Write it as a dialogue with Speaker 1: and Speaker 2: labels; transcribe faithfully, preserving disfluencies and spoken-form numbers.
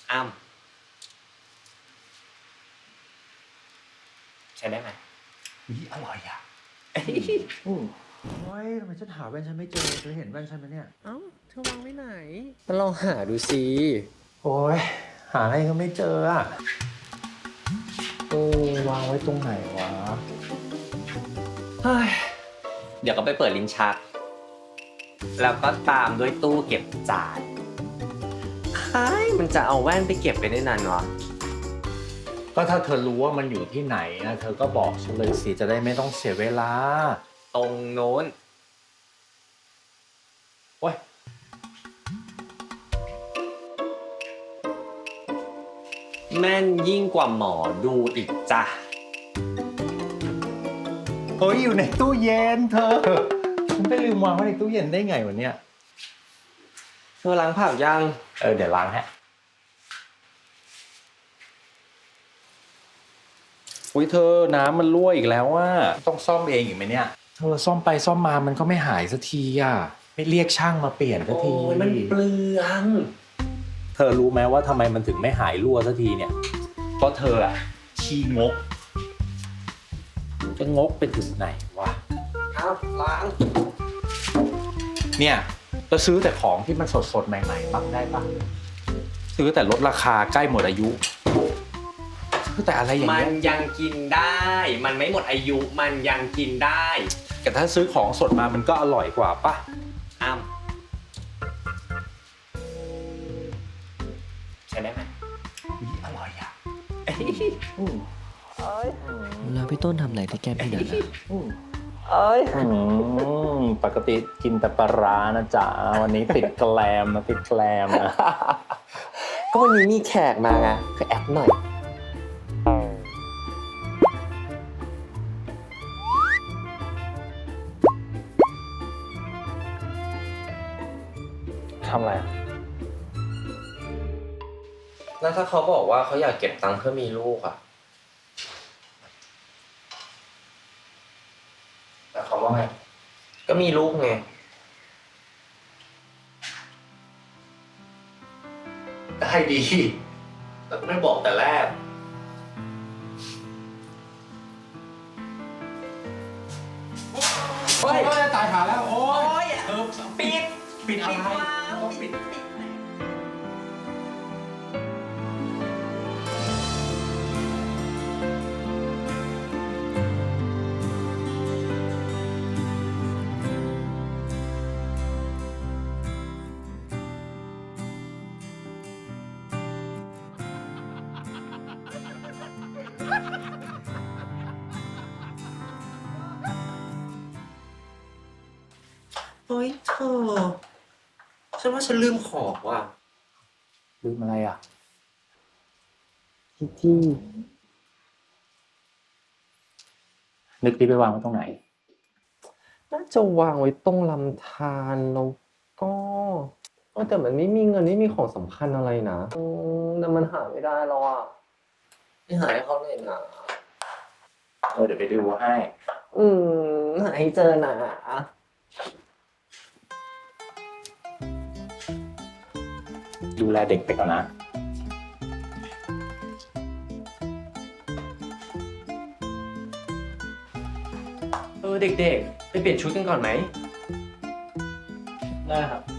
Speaker 1: อ้ำใช้ได้ไหม
Speaker 2: นี่อร่อยอ่ะโอ้ยทำไมฉันหาแว่นฉันไม่เจอเธอเห็นแว่นฉันไหมเนี่ย
Speaker 1: เอ้าเธอวางไว้ไหนมาลองหาดูสิ
Speaker 2: โอ้ยหาอะไรก็ไม่เจออ่ะเออวางไว้ตรงไหนวะ
Speaker 1: เฮ้ยเดี๋ยวก็ไปเปิดลิ้นชักแล้วก็ตามด้วยตู้เก็บจานใครมันจะเอาแว่นไปเก็บไปได้นานวะ
Speaker 2: ก็ถ้าเธอรู้ว่ามันอยู่ที่ไหนนะเธอก็บอกฉันเลยสิจะได้ไม่ต้องเสียเวลา
Speaker 1: ตรงโน้น
Speaker 2: โอ้ย
Speaker 1: แม่นยิ่งกว่าหมอดูอีกจ้ะ
Speaker 2: เฮ้ยอยู่ในตู้เย็นเธอฉันไปลืมวางไว้ในตู้เย็นได้ไงวะเนี่ย
Speaker 1: เธอล้างผักยัง
Speaker 2: เออเดี๋ยวล้างฮะ อุ้ยเธอน้ำมันรั่วอีกแล้วว่าต้องซ่อมเองอีกไหมเนี่ย เธอซ่อมไปซ่อมมามันก็ไม่หายสักทีอ่ะไม่เรียกช่างมาเปลี่ยนสักที
Speaker 1: โอ้ยมันเปลือง
Speaker 2: เธอรู้ไหมว่าทำไมมันถึงไม่หายรั่วสักทีเนี่ยเพราะเธออะขี้งกจะงกไปถึงไหนวะ
Speaker 1: ครับล้าง
Speaker 2: เนี่ยเราซื้อแต่ของที่มันสดๆใหม่ๆบ้างได้ปะซื้อแต่ลดราคาใกล้หมดอายุซื้อแต่อะไรอย่าง
Speaker 1: มั
Speaker 2: เงี้
Speaker 1: น
Speaker 2: ย
Speaker 1: ยังกินได้ มันไม่หมดอายุ มันยังกินได้
Speaker 2: แต่ถ้าซื้อของสดมามันก็อร่อยกว่าปะ
Speaker 1: อ้ำใช้ได้ไหม
Speaker 2: นี่อร่อยอ่ะ
Speaker 3: แล้วพี่ต้นทำอะไรที่แก้มพี่นันอะ
Speaker 2: อืมปกติกินแต่ปลาร้านะจ๊ะวันนี้ติดแกลมนะติดแกลมนะ
Speaker 1: ก็วันนี้มีแขกมาไงก็แอปหน่อย
Speaker 2: ทำอะไรอะ
Speaker 1: แล้วถ้าเขาบอกว่าเขาอยากเก็บตังค์เพื่อมีลูกอ่ะ
Speaker 2: แต่เขาว่าไง
Speaker 1: ก็มีลูกไง
Speaker 2: ได้ดีแต่ไม่บอกแต่แรก
Speaker 1: เฮ้ย
Speaker 2: ตายหาแล้วโอ้
Speaker 1: โอ้
Speaker 2: ย
Speaker 1: ย
Speaker 2: เออ
Speaker 1: ปิด
Speaker 2: ปิดอะไร
Speaker 1: วาล์ว
Speaker 2: ต้อง
Speaker 1: ปิ
Speaker 2: ปิ
Speaker 1: ด
Speaker 2: ด
Speaker 1: ปิด เฮ้ยเธอ ฉันว่าฉันลืมของว่ะ
Speaker 2: ลืมอะไรอ่ะ
Speaker 1: ที่ที่
Speaker 2: นึกดีไปวางไว้ตรงไหน
Speaker 1: น่าจะวางไว้ตรงลำธารแล้วก็เออแต่มันไม่มีเงินไม่มีของสำคัญอะไรนะอืมแต่มันหาไม่ได้แล้วอ่ะไม่หาให้เขาเลยนะ
Speaker 2: เออเดี๋ยวไปดูให้
Speaker 1: อืมหาให้เจอนะ
Speaker 2: ดูแลเด็กไปก่อนนะ
Speaker 1: เออเด็กๆ ไปเปลี่ยนชุดกันก่อนไหม
Speaker 2: ได้ครับ